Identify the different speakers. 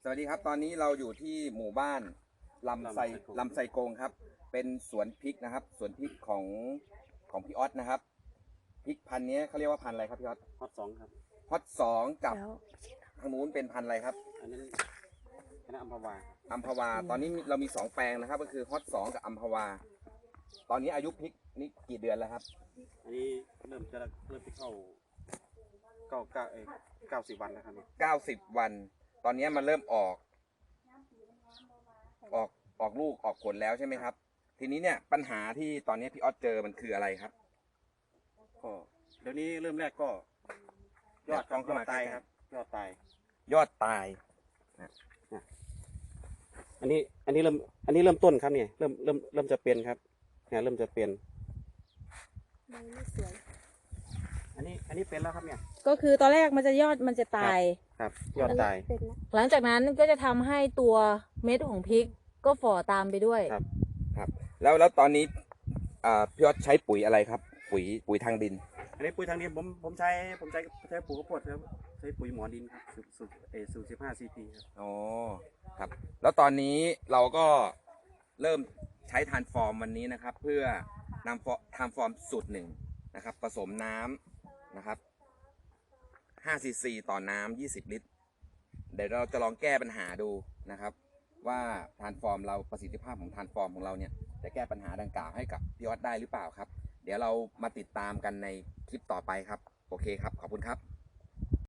Speaker 1: วัสดีครับตอนนี้เราอยู่ที่หมู่บ้านลำไซโกงครับเป็นสวนพริกนะครับสวนพริกของพี่ออสนะครับพริกพันธุ์นี้เขาเรียกว่าพันธุ์อะไรครับพี่ออส
Speaker 2: ฮอตสองครับ
Speaker 1: ฮอตสองกับทางนู้นเป็นพันธุ์อะไรครับ
Speaker 2: อันนั้นคณะอัมพวา
Speaker 1: อัมพวาตอนนี้เรามี2 แปลงนะครับก็คือฮอตสองกับอัมพวาตอนนี้อายุพริกนี่กี่เดือนแล้วครับ
Speaker 2: อันนี้เริ่มไปเข้า90 วันแล้วครับ
Speaker 1: 90 วันตอนนี้มันเริ่มออกลูกออกผลแล้วใช่ไหมครับทีนี้เนี่ยปัญหาที่ตอนนี้พี่ออสเจอมันคืออะไรครับ
Speaker 2: ก็เดี๋ยวนี้เริ่มแรกก็ยอดตายครับยอดตายอันนี้เริ่มต้นครับเนี่ยเริ่มจะเป็นครับเนี่ยเริ่มจะเป็น
Speaker 3: ไม่สวย
Speaker 2: อันนี้เป็นแล้วครับเนี่ย
Speaker 3: ก็คือตอนแรกมันจะยอดมันจะตาย
Speaker 2: ครับยอดตาย
Speaker 3: หลังจากนั้นก็จะทำให้ตัวเม็ดของพริกก็ฝ่อตามไปด้วย
Speaker 1: ครับแล้วตอนนี้พี่ออสใช้ปุ๋ยอะไรครับปุ๋ยทางดิน
Speaker 2: อันนี้ปุ๋ยทางดินผมใช้ปุ๋ยข้าวโพดครับใช้ปุ๋ยหมอดินครับสูตร15 CP ครับ
Speaker 1: อ๋อครับแล้วตอนนี้เราก็เริ่มใช้ทานฟอร์มวันนี้นะครับเพื่อนำทานฟอร์มสูตร1นะครับผสมน้ำนะครับ5 cc ต่อน้ำ20 ลิตรเดี๋ยวเราจะลองแก้ปัญหาดูนะครับว่าทานฟอร์มเราประสิทธิภาพของทานฟอร์มของเราเนี่ยจะแก้ปัญหาดังกล่าวให้กับพี่ออสได้หรือเปล่าครับเดี๋ยวเรามาติดตามกันในคลิปต่อไปครับโอเคครับขอบคุณครับ